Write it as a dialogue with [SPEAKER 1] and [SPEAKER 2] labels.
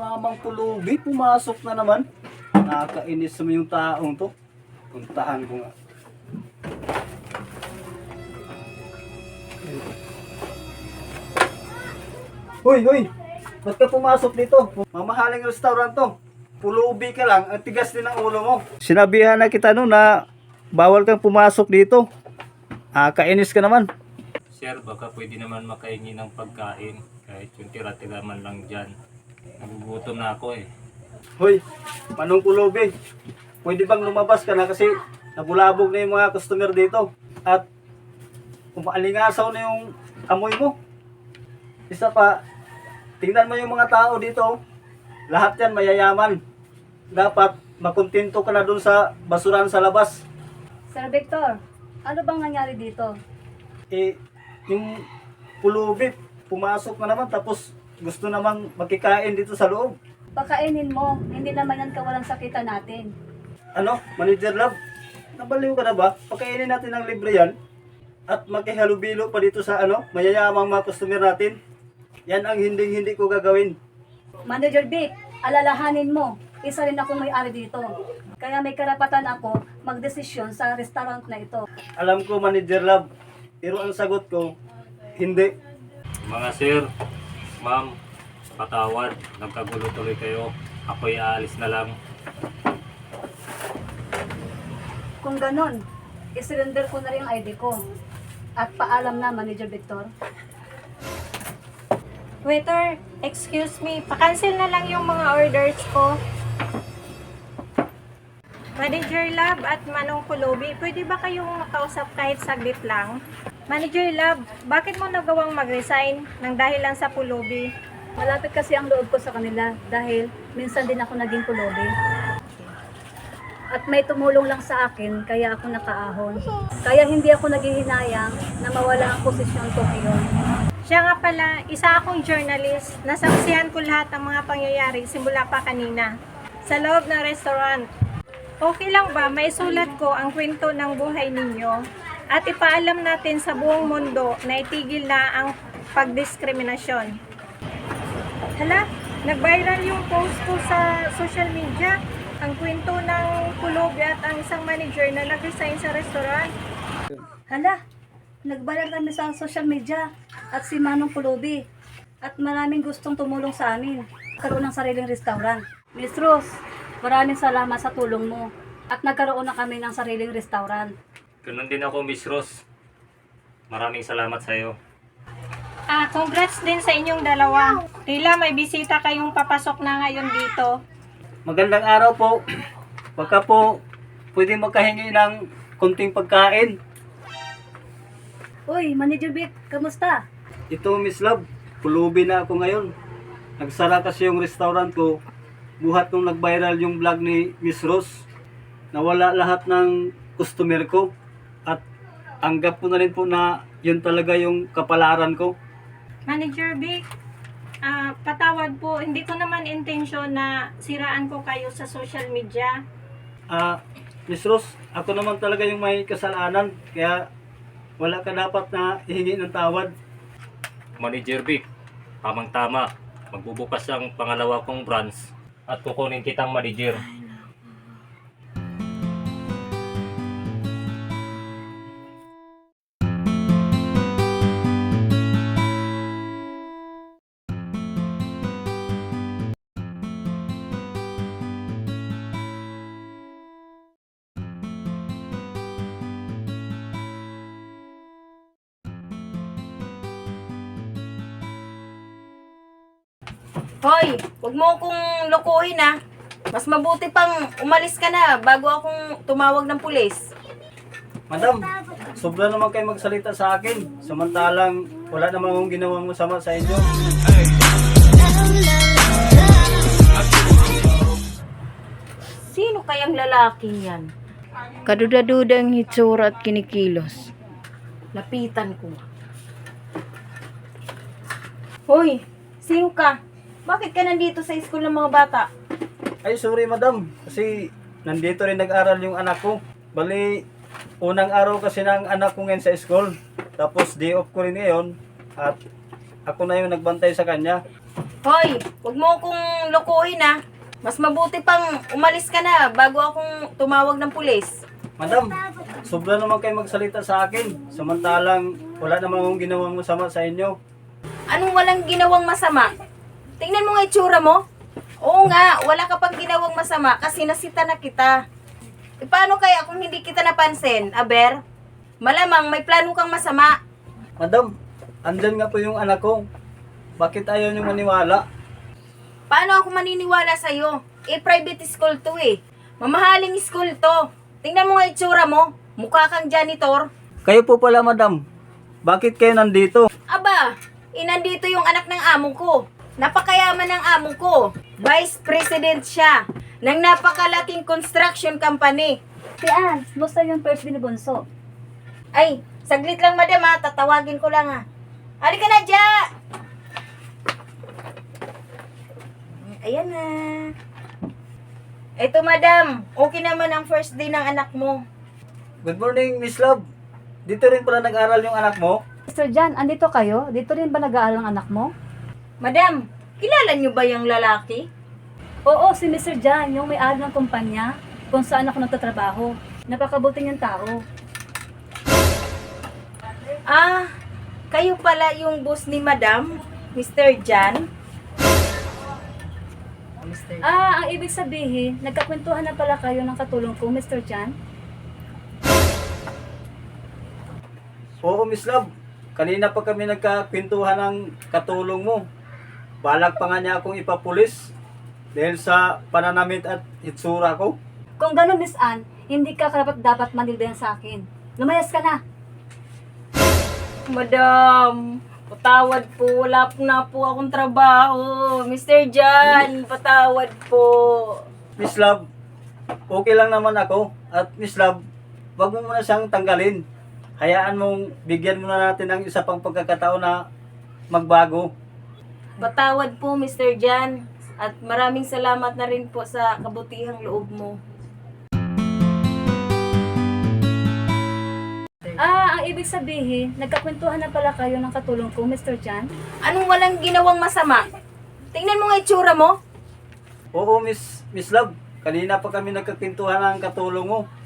[SPEAKER 1] Mamang pulubi, pumasok na naman. Nakakainis naman yung taong to. Puntahan ko nga. Hoy, hoy! Ba't ka pumasok dito? Mamahaling restaurant to. Pulubi ka lang, ang tigas din ang ulo mo. Sinabihan na kita noon na bawal kang pumasok dito. Kainis ka naman.
[SPEAKER 2] Sir, baka pwede naman makahingi ng pagkain kahit yung tira-tira man lang dyan. Nagugutom na ako eh.
[SPEAKER 1] Hoy, Manong Pulubi, pwede bang lumabas ka na kasi nabulabog na yung mga customer dito at umaalingasaw na yung amoy mo. Isa pa, tingnan mo yung mga tao dito, lahat yan mayayaman. Dapat makontento ka na dun sa basuran sa labas.
[SPEAKER 3] Sir Victor, ano bang nangyari dito?
[SPEAKER 1] Yung Pulubi, pumasok na naman tapos gusto namang makikain dito sa loob.
[SPEAKER 3] Pakainin mo, hindi naman yan kawalang sakitan natin.
[SPEAKER 1] Ano, Manager Love? Nabaliw ka na ba? Pakainin natin ng libre yan at makihalubilo pa dito sa mayayamang mga customer natin. Yan ang hindi ko gagawin.
[SPEAKER 3] Manager Vic, alalahanin mo, isa rin akong may-ari dito. Kaya may karapatan ako magdesisyon sa restaurant na ito.
[SPEAKER 1] Alam ko, Manager Love, pero ang sagot ko, hindi.
[SPEAKER 2] Mga sir, ma'am, patawad. Nagkagulo tuloy kayo. Ako'y aalis na lang.
[SPEAKER 3] Kung ganon, isurrender ko na rin ang ID ko. At paalam na, Manager Victor.
[SPEAKER 4] Waiter, excuse me, pa-cancel na lang yung mga orders ko. Manager Love at Manong Pulubi, pwede ba kayong makausap kahit saglit lang? Manager Love, bakit mo nagawang mag-resign ng dahilan sa Pulubi?
[SPEAKER 3] Malapit kasi ang loob ko sa kanila dahil minsan din ako naging pulubi. At may tumulong lang sa akin kaya ako nakaahon. Kaya hindi ako naghihinayang na mawala ang posisyon ko ngayon.
[SPEAKER 4] Siya nga pala, isa akong journalist. Nasaksihan ko lahat ng mga pangyayari simula pa kanina sa loob ng restaurant. Okay lang ba maisulat ko ang kwento ng buhay ninyo at ipaalam natin sa buong mundo na itigil na ang pagdiskriminasyon? Hala, nag-viral yung post ko sa social media. Ang kwento ng Pulubi at ang isang manager na nag-resign sa restaurant.
[SPEAKER 3] Hala, nagbayad kami sa social media at si Manong Pulubi. At maraming gustong tumulong sa amin. Karoon ng sariling restaurant. Miss Rose, maraming salamat sa tulong mo. At nagkaroon na kami ng sariling restaurant.
[SPEAKER 2] Ganun din ako, Miss Rose. Maraming salamat sa iyo.
[SPEAKER 4] Congrats din sa inyong dalawa. Tila may bisita kayong papasok na ngayon dito.
[SPEAKER 1] Magandang araw po. Baka po pwede magkahingi ng konting pagkain.
[SPEAKER 3] Uy, Manager Vic, kamusta?
[SPEAKER 1] Ito, Miss Love, pulubi na ako ngayon. Nagsara kasi yung restaurant ko. Buhat nung nag-viral yung vlog ni Miss Rose. Nawala lahat ng customer ko. At anggap ko na rin po na yun talaga yung kapalaran ko.
[SPEAKER 4] Manager Vic, patawad po. Hindi ko naman intensyon na siraan ko kayo sa social media.
[SPEAKER 1] Miss Rose, ako naman talaga yung may kasalanan. Kaya wala ka dapat na ihingi ng tawad.
[SPEAKER 2] Manager Vic, tamang-tama. Magbubukas ang pangalawa kong branch at kukunin kitang manager.
[SPEAKER 5] Hoy, huwag mo akong lokohin ha. Mas mabuti pang umalis ka na bago akong tumawag ng pulis.
[SPEAKER 1] Madam, sobra naman kayo magsalita sa akin. Samantalang wala naman akong ginawang masama sa inyo.
[SPEAKER 5] Sino kayang lalaking yan? Kaduda-duda ang hitsura at kinikilos. Lapitan ko. Hoy, sino ka? Bakit ka nandito sa school ng mga bata?
[SPEAKER 1] Ay, sorry madam. Kasi nandito rin nag-aral yung anak ko. Bali, unang araw kasi ng anak ko ngayon sa school. Tapos day off ko rin ngayon. At ako na yung nagbantay sa kanya.
[SPEAKER 5] Hoy, huwag mo akong lokohin ha. Mas mabuti pang umalis ka na bago akong tumawag ng pulis.
[SPEAKER 1] Madam, sobra naman kayo magsalita sa akin. Samantalang wala naman akong ginawang masama sa inyo.
[SPEAKER 5] Anong walang ginawang masama? Tingnan mo nga itsura mo. Oo nga, wala ka pang ginawang masama kasi nasita na kita. E paano kaya kung hindi kita napansin, Aber? Malamang may plano kang masama.
[SPEAKER 1] Madam, andyan nga po yung anak ko. Bakit ayaw niyo maniwala?
[SPEAKER 5] Paano ako maniniwala sa'yo? Private school to eh. Mamahaling school to. Tingnan mo nga itsura mo. Mukha kang janitor.
[SPEAKER 1] Kayo po pala, madam. Bakit kayo nandito?
[SPEAKER 5] Aba, nandito yung anak ng amo ko. Napakayaman ng amo ko. Vice President siya ng napakalaking construction company.
[SPEAKER 3] Si Ann, musta yung first ni Bunso?
[SPEAKER 5] Ay, saglit lang madam ha. Tatawagin ko lang ha. Halika na, Ja! Ayan na. Eto madam, okay naman ang first day ng anak mo.
[SPEAKER 1] Good morning, Miss Love. Dito rin pala nag-aral yung anak mo?
[SPEAKER 3] Mr. Jan, andito kayo? Dito rin ba nag-aaral ang anak mo?
[SPEAKER 5] Madam, kilala niyo ba yung lalaki?
[SPEAKER 3] Oo, si Mr. Jan, yung may-ari ng kumpanya kung saan ako nagtatrabaho. Napakabuting yung tao.
[SPEAKER 5] Ah, kayo pala yung boss ni madam, Mr. Jan?
[SPEAKER 3] Ang ibig sabihin, nagkakwentuhan na pala kayo ng katulong ko, Mr. Jan?
[SPEAKER 1] Oo, Miss Love. Kanina pa kami nagkakwentuhan ng katulong mo. Balak pa nga niya akong ipapulis dahil sa pananamit at itsura ko.
[SPEAKER 3] Kung gano'n, Miss Ann, hindi ka karapat dapat manilbayan sa akin. Lumayas ka na.
[SPEAKER 5] Madam, patawad po. Wala po na po akong trabaho. Mr. Jan, patawad po.
[SPEAKER 1] Miss Love, okay lang naman ako. At Miss Love, wag mo muna siyang tanggalin. Hayaan mong bigyan muna natin ng isa pang pagkakataon na magbago.
[SPEAKER 5] Patawad po, Mr. Jan. At maraming salamat na rin po sa kabutihang loob mo.
[SPEAKER 3] Ang ibig sabihin, nagkakwentuhan na pala kayo ng katulong ko, Mr. Jan?
[SPEAKER 5] Anong walang ginawang masama? Tingnan mo nga itsura mo.
[SPEAKER 1] Oo, Miss Love. Kanina pa kami nagkakwentuhan ng katulong mo.